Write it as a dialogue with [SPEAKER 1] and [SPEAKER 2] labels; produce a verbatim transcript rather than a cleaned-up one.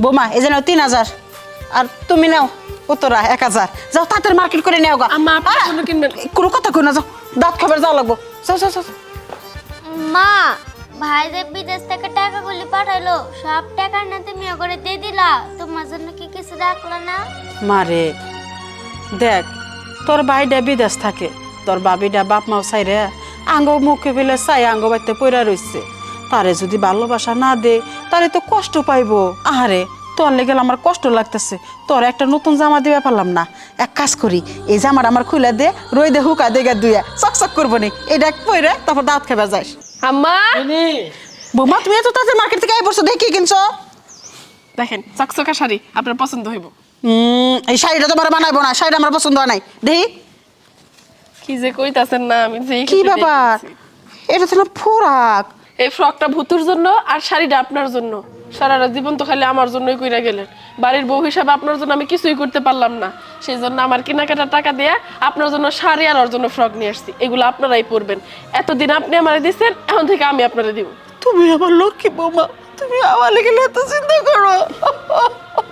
[SPEAKER 1] বোমা এই যে নাও তিন হাজার আর তুমি নাও উত্তরা এক হাজার যাও তাড়াতাড়ি মার্কেট করে নেও গা
[SPEAKER 2] আম্মা আপনার জন্য কিনবেন
[SPEAKER 1] কোনো কথা কই না যাও দাঁত খাবার যাওয়া লাগবো যাও যাও যাও
[SPEAKER 3] মা ভাই যে বিদেশ থেকে টাকাগুলি পাঠাইলো সব টাকা না তুমি ওগরে দিয়ে দিলা তোমার জন্য কি কিছু রাখলো না
[SPEAKER 1] মারে দেখ তোর ভাইটা বিদেশ থাকে তোর বাবিটা বাপ মাও চাইরে আঙ্গ মুখে ফেলে চাই আঙ্গ বাড়িতে পইরা রইছে তারে যদি ভালোবাসা না দে তারে তো কষ্ট পাইবো আহারে তোর লেগে আমার কষ্ট লাগতেছে তোর একটা নতুন জামা দিবে পারলাম না এক কাজ করি এই জামাটা আমার খুলে দে রই দে হুকা দেগা দুইয়া চকচক করবো নি এটা পইরে তারপর দাঁত খাবার যাস
[SPEAKER 2] আম্মা
[SPEAKER 1] বৌমা তুমি এত তাড়াতাড়ি মার্কেট থেকে আই পড়ছো দেখি কি কিনছো
[SPEAKER 2] দেখেন চকচকা শাড়ি আপনার পছন্দ হইব
[SPEAKER 1] হুম এই শাড়িটা তোমার বানাইবো না শাড়িটা আমার পছন্দ হয় নাই দেখি
[SPEAKER 2] কি যে কইতাছেন না আমি যে
[SPEAKER 1] কি ব্যাপার এটা তো না ফোরাক
[SPEAKER 2] এই ফ্রকটা ভুতুর জন্য আর শাড়িটা আপনার জন্য সারাটা জীবন তো খালি আমার জন্যই কইরা গেলেন বাড়ির বউ হিসাবে আপনার জন্য আমি কিছুই করতে পারলাম না সেই জন্য আমার কেনাকাটার টাকা দিয়ে আপনার জন্য শাড়ি আর ওর জন্য ফ্রক নিয়ে আসছি এগুলো আপনারাই পরবেন এতদিন আপনি আমারে দিচ্ছেন এখন থেকে আমি আপনারে দিব
[SPEAKER 1] তুমি আমার লক্ষ্মী বৌমা তুমি আমার লেগে এত চিন্তা করো